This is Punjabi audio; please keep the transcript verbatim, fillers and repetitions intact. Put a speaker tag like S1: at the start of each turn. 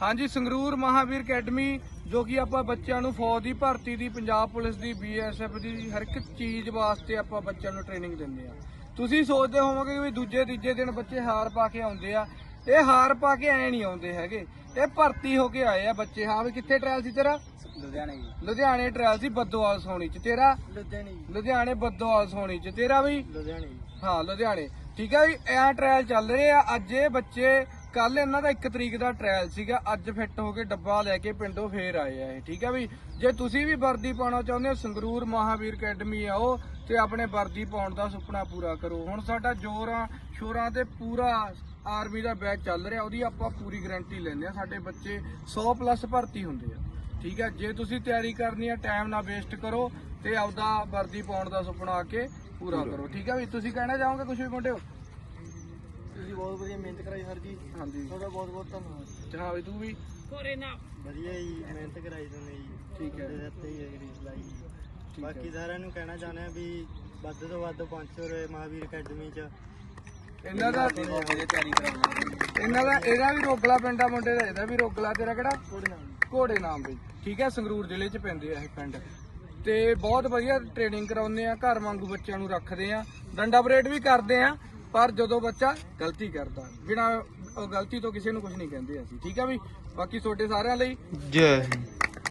S1: हाँ जी, संगरूर महावीर अकैडमी जो कि ਆਪਾਂ ਬੱਚਿਆਂ ਨੂੰ ਫੌਜ ਦੀ ਭਰਤੀ ਦੀ, ਪੰਜਾਬ ਪੁਲਿਸ ਦੀ, ਬੀ ਐਸ ਐਫ ਦੀ ਹਰ ਇੱਕ ਚੀਜ਼ ਵਾਸਤੇ ਆਪਾਂ ਬੱਚਿਆਂ ਨੂੰ ਟ੍ਰੇਨਿੰਗ ਦਿੰਦੇ ਆ। ਤੁਸੀਂ ਸੋਚਦੇ ਹੋਵੋਗੇ ਵੀ ਦੂਜੇ ਤੀਜੇ ਦਿਨ ਬੱਚੇ ਹਾਰ ਪਾ ਕੇ ਆਉਂਦੇ ਆ, ਇਹ ਹਾਰ ਪਾ ਕੇ ਐ ਨਹੀਂ ਆਉਂਦੇ ਹੈਗੇ, ਇਹ ਭਰਤੀ ਹੋ ਕੇ ਆਏ ਆ ਬੱਚੇ। ਹਾਂ ਵੀ ਕਿੱਥੇ ਟ੍ਰਾਇਲ ਸੀ ਤੇਰਾ?
S2: ਲੁਧਿਆਣੇ ਜੀ।
S1: ਲੁਧਿਆਣੇ ਟ੍ਰਾਇਲ ਸੀ ਬੱਦੋਵਾਲ ਸੋਣੀ ਚ। ਤੇਰਾ?
S2: ਲੁਧਿਆਣੇ
S1: ਲੁਧਿਆਣੇ ਬੱਦੋਵਾਲ ਸੋਣੀ ਚ। ਤੇਰਾ ਵੀ?
S2: ਲੁਧਿਆਣੇ।
S1: ਹਾਂ ਲੁਧਿਆਣੇ। ਠੀਕ ਹੈ ਵੀ ਐ ਟ੍ਰਾਇਲ ਚੱਲ ਰਹੇ ਆ। ਅੱਜ ਇਹ ਬੱਚੇ, ਕੱਲ ਇਹਨਾਂ ਦਾ ਇੱਕ ਤਰੀਕ ਦਾ ਟ੍ਰਾਇਲ ਸੀਗਾ, ਅੱਜ ਫਿੱਟ ਹੋ ਕੇ ਡੱਬਾ ਲੈ ਕੇ ਪਿੰਡੋਂ ਫੇਰ ਆਏ ਆ ਇਹ। ਠੀਕ ਹੈ ਵੀ ਜੇ ਤੁਸੀਂ ਵੀ ਵਰਦੀ ਪਾਉਣਾ ਚਾਹੁੰਦੇ ਹੋ, ਸੰਗਰੂਰ ਮਹਾਵੀਰ ਅਕੈਡਮੀ ਆਓ ਤੇ ਆਪਣੇ ਵਰਦੀ ਪਾਉਣ ਦਾ ਸੁਪਨਾ ਪੂਰਾ ਕਰੋ। ਹੁਣ ਸਾਡਾ ਜੋਰਾਂ ਸ਼ੋਰਾਂ ਤੇ ਪੂਰਾ ਆਰਮੀ ਦਾ ਬੈਚ ਚੱਲ ਰਿਹਾ, ਉਹਦੀ ਆਪਾਂ ਪੂਰੀ ਗਾਰੰਟੀ ਲੈਂਦੇ ਆ। ਸਾਡੇ ਬੱਚੇ ਸੌ ਪਲੱਸ ਭਰਤੀ ਹੁੰਦੇ ਆ। ਠੀਕ ਹੈ, ਜੇ ਤੁਸੀਂ ਤਿਆਰੀ ਕਰਨੀ ਹੈ ਟਾਈਮ ਨਾ ਵੇਸਟ ਕਰੋ ਤੇ ਆਪਦਾ ਵਰਦੀ ਪਾਉਣ ਦਾ ਸੁਪਨਾ ਆ ਕੇ ਪੂਰਾ ਕਰੋ। ਠੀਕ ਹੈ ਵੀ ਤੁਸੀਂ ਕਹਿਣਾ ਚਾਹੋਗੇ ਕੁਝ ਵੀ ਮੁੰਡਿਓ?
S2: ਤੁਸੀਂ ਬਹੁਤ ਵਧੀਆ ਮਿਹਨਤ ਕਰਾਈ ਸਰ ਜੀ।
S1: ਹਾਂਜੀ
S2: ਤੁਹਾਡਾ ਬਹੁਤ ਬਹੁਤ ਧੰਨਵਾਦ।
S1: ਹਾਂ ਵੀ ਤੂੰ ਵੀ
S2: ਕੋਰੇ ਨਾ ਵਧੀਆ ਜੀ, ਮਿਹਨਤ ਕਰਾਈ ਤੁਸੀਂ ਜੀ।
S1: ਠੀਕ ਹੈ।
S2: ਤੁਹਾਡੇ ਹੱਥ ਹੀ ਹੈ ਗਰੀਸ ਲਾਈ।
S1: ਹੈ।
S2: ਬਾਕੀ ਸਾਰਿਆਂ ਨੂੰ ਕਹਿਣਾ ਚਾਹੁੰਦੇ ਆ ਵੀ ਵੱਧ ਤੋਂ ਵੱਧ ਪਹੁੰਚੋ ਰੇ ਮਹਾਵੀਰ ਅਕੈਡਮੀ ਚ।
S1: ਇਹਨਾਂ ਦਾ
S2: ਵਧੀਆ ਤਿਆਰੀ ਕਰਾਉਣੀ।
S1: ਇਹਨਾਂ ਦਾ ਇਹਦਾ ਵੀ ਰੋਗਲਾ ਪਿੰਡ ਆ ਮੁੰਡੇ ਦਾ, ਇਹਦਾ ਵੀ ਰੋਗਲਾ। ਤੇਰਾ ਕਿਹੜਾ?
S2: ਕੋੜੇ ਨਾਲ
S1: ਘੋੜੇ ਨਾਮ ਬਈ। ਠੀਕ ਹੈ, ਸੰਗਰੂਰ ਜ਼ਿਲ੍ਹੇ ਚ ਪੈਂਦੇ ਆ ਇਹ ਪਿੰਡ ਤੇ ਬਹੁਤ ਵਧੀਆ ਟ੍ਰੇਨਿੰਗ ਕਰਾਉਂਦੇ ਆ, ਘਰ ਵਾਂਗੂ ਬੱਚਿਆਂ ਨੂੰ ਰੱਖਦੇ ਆ, ਡੰਡਾ ਪਰੇਡ ਵੀ ਕਰਦੇ ਆ। ਪਰ ਜਦੋਂ ਬੱਚਾ ਗਲਤੀ ਕਰਦਾ, ਬਿਨਾਂ ਗਲਤੀ ਤੋਂ ਕਿਸੇ ਨੂੰ ਕੁਝ ਨਹੀਂ ਕਹਿੰਦੇ ਅਸੀਂ। ਠੀਕ ਹੈ ਵੀ ਬਾਕੀ ਤੁਹਾਡੇ ਸਾਰਿਆਂ ਲਈ
S3: ਜੈ